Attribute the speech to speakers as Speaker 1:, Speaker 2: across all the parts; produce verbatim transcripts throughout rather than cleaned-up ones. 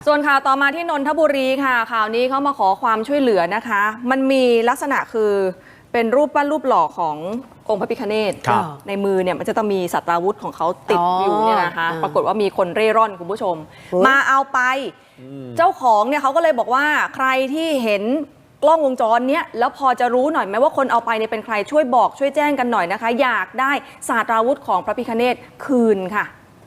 Speaker 1: ส่วนข่าวต่อมาที่นนทบุรีค่ะข่าวนี้เขามาขอความช่วยเหลือนะคะมันมีลักษณะคือเป็นรูปปั้นรูปหล่อขององค์พระพิฆเนศในมือเนี่ยมันจะต้องมีสัตราวุธของเขาติดอยู่เนี่ยนะคะปรากฏว่ามีคนเร่ร่อนคุณผู้ชมมาเอาไปเจ้าของเนี่ยเขาก็เลยบอกว่าใครที่เห็นกล้องวงจรเนี้ยแล้วพอจะรู้หน่อยไหมว่าคนเอาไปเนี่ยเป็นใครช่วยบอกช่วยแจ้งกันหน่อยนะคะอยากได้สัตราวุธของพระพิฆเนศคืนค่ะ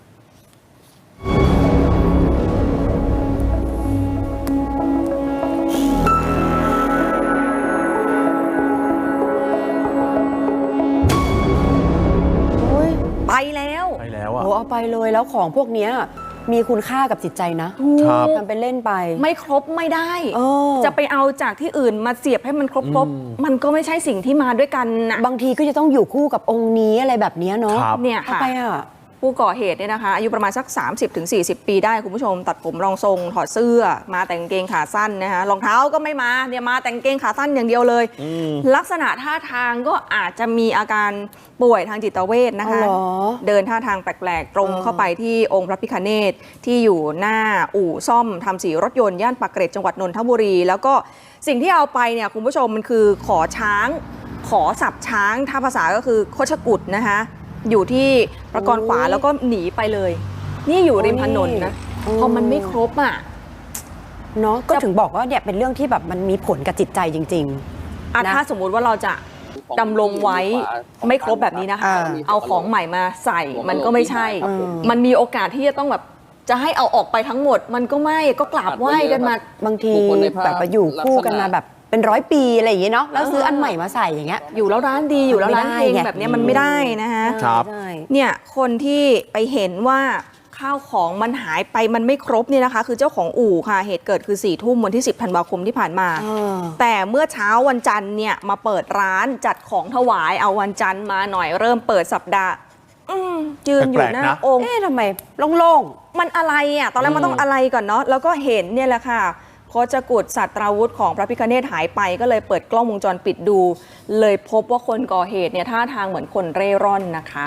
Speaker 1: ไปแล้ว
Speaker 2: ไปแล้วอ่ะ
Speaker 3: โอ้เอาไปเลยแล้วของพวกนี้มีคุณค่ากับจิตใจนะทำเป็นเล่นไป
Speaker 1: ไม่ครบไม่ได้จะไปเอาจากที่อื่นมาเสียบให้มันครบครบมันก็ไม่ใช่สิ่งที่มาด้วยกันนะ
Speaker 3: บางทีก็จะต้องอยู่คู่กับองค์นี้อะไรแบบนี้เนาะ
Speaker 1: เนี่ยค่ะผู้ก่อเหตุเนี่ยนะคะอายุประมาณสัก สามสิบถึงสี่สิบ ปีได้คุณผู้ชมตัดผมรองทรงถอดเสื้อมาแต่งกางเกงขาสั้นนะคะรองเท้าก็ไม่มาเนี่ยมาแต่งกางเกงขาสั้นอย่างเดียวเลยลักษณะท่าทางก็อาจจะมีอาการป่วยทางจิตเวชนะคะเดินท่าทางแปลกๆตรงเข้าไปที่องค์พระพิฆเนศที่อยู่หน้าอู่ซ่อมทำสีรถยนต์ย่านปากเกร็ดจังหวัดนนทบุรีแล้วก็สิ่งที่เอาไปเนี่ยคุณผู้ชมมันคือขอช้างขอสับช้างถ้าภาษาก็คือโคชกุฎนะคะอยู่ที่ประกรขวาแล้วก็หนีไปเลยนี่อยู่ริมถนนนะพอมันไม่ครบอ่ะ
Speaker 3: เนาะก็ถึงบอกว่าเนี่ยเป็นเรื่องที่แบบมันมีผลกับจิตใจจริง
Speaker 1: ๆอ่ะถ้าสมมุติว่าเราจะดำรงไว้ไม่ครบแบบนี้นะคะเอาของใหม่มาใส่มันก็ไม่ใช่มันมีโอกาสที่จะต้องแบบจะให้เอาออกไปทั้งหมดมันก็ไม่ก็กราบไหว้กันมา
Speaker 3: บางทีแบบไปอยู่คู่กันมาแบบเป็นร้อยปีอะไรอย่างเงี้ยเนาะแล้วซื้ออันใหม่มาใส่อย่างเงี้ย
Speaker 1: อยู่แล้วร้านดีอยู่แล้วร้านเองแบบนี้มันไม่ได้นะคะเนี่ยคนที่ไปเห็นว่าข้าวของมันหายไปมันไม่ครบเนี่ยนะคะคือเจ้าของอู่ค่ะเหตุเกิดคือสี่ทุ่มวันที่สิบธันวาคมที่ผ่านมาแต่เมื่อเช้าวันจันทร์เนี่ยมาเปิดร้านจัดของถวายเอาวันจันทร์มาหน่อยเริ่มเปิดสัปดาห์ยืนอยู่หน้าองค์
Speaker 3: เอ๊ะทำไมโล่ง
Speaker 1: ๆมันอะไรอ่ะตอนแรกมันต้องอะไรก่อนเนาะแล้วก็เห็นเนี่ยแหละค่ะโคชกุฎสัตราวุธของพระพิฆเนศหายไปก็เลยเปิดกล้องวงจรปิดดูเลยพบว่าคนก่อเหตุเนี่ยท่าทางเหมือนคนเร่ร่อนนะคะ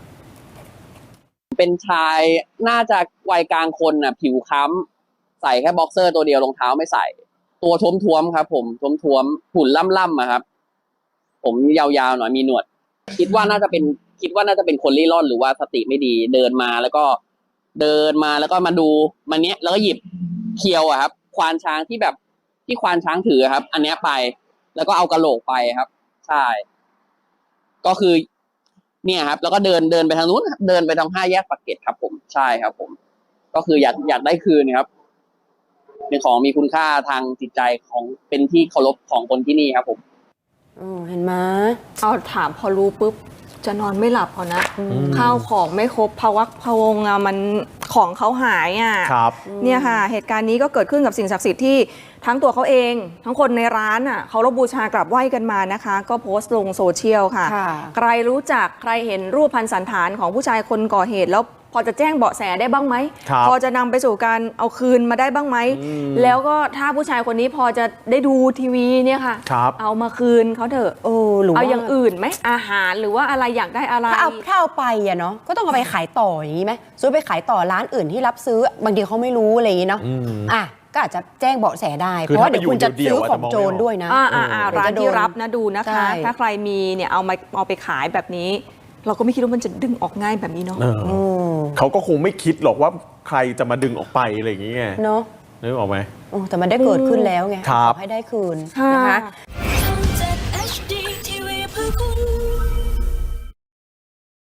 Speaker 4: เป็นชายน่าจะวัยกลางคนน่ะผิวค้ำใส่แค่บ็อกเซอร์ตัวเดียวรองเท้าไม่ใส่ตัวท้วมๆครับผมท้วมๆหุ่นล่ำๆอะครับผมยาวๆหน่อยมีหนวดคิดว่าน่าจะเป็นคิดว่าน่าจะเป็นคนเร่ร่อนหรือว่าสติไม่ดีเดินมาแล้วก็เดินมาแล้วก็มาดูมันเนี้ยแล้วก็หยิบเคียวอะครับควานช้างที่แบบที่ควานช้างถือครับอันเนี้ยไปแล้วก็เอากระโหลกไปครับใช่ก็คือเนี่ยครับแล้วก็เดินเดินไปทางนู้นเดินไปทางห้าแยกปากเกร็ดครับผมใช่ครับผมก็คืออยากอยากได้คืนครับเป็นของมีคุณค่าทางจิตใจของเป็นที่เคารพของคนที่นี่ครับผม
Speaker 3: อืมเห็นไหม
Speaker 1: เอาถามพอรู้ปุ๊บจะนอนไม่หลับพอนะข้าวของไม่ครบภวักพวงอ่ะมันของเขาหายอ่ะเนี่ยค่ะเหตุการณ์นี้ก็เกิดขึ้นกับสิ่งศักดิ์สิทธิ์ที่ทั้งตัวเขาเองทั้งคนในร้านอ่ะเขารพบูชากราบไหว้กันมานะคะก็โพสต์ลงโซเชียลค่ะใครรู้จักใครเห็นรูปพรรณสันฐานของผู้ชายคนก่อเหตุแล้วพอจะแจ้งเบาะแสได้บ้างไหมพอจะนำไปสู่การเอาคืนมาได้บ้างไหมแล้วก็ถ้าผู้ชายคนนี้พอจะได้ดูทีวีเนี่ยค่ะเอามาคืนเขาเถอะเออหรือเอาอย่างอื่นไหมอาหารหรือว่าอะไรอยากได้อะไร
Speaker 3: ถ้าเอาถ้าเอาไปอะเนาะก็ต้องเอาไปขายต่ออย่างนี้ไหมซื้อไปขายต่อร้านอื่นที่รับซื้อบางทีเขาไม่รู้อะไรอย่างนี้เนาะอ่ะก็อาจจะแจ้งเบาะแสได้เพราะว่าเดี๋ยวคุณจะซื้อของโจรด้วยนะ
Speaker 1: ร้านที่รับนะดูนะคะถ้าใครมีเนี่ยเอามาเอาไปขายแบบนี้เราก็ไม่คิดว่ามันจะดึงออกง่ายแบบนี้เนาะ
Speaker 2: เขาก็คงไม่คิดหรอกว่าใครจะมาดึงออกไปอะไรอย่างเงี้ย
Speaker 3: เนาะ
Speaker 2: นึกออกไหม
Speaker 3: แต่มันได้เกิดขึ้นแล้วไงขอให้ได้คืนนะคะ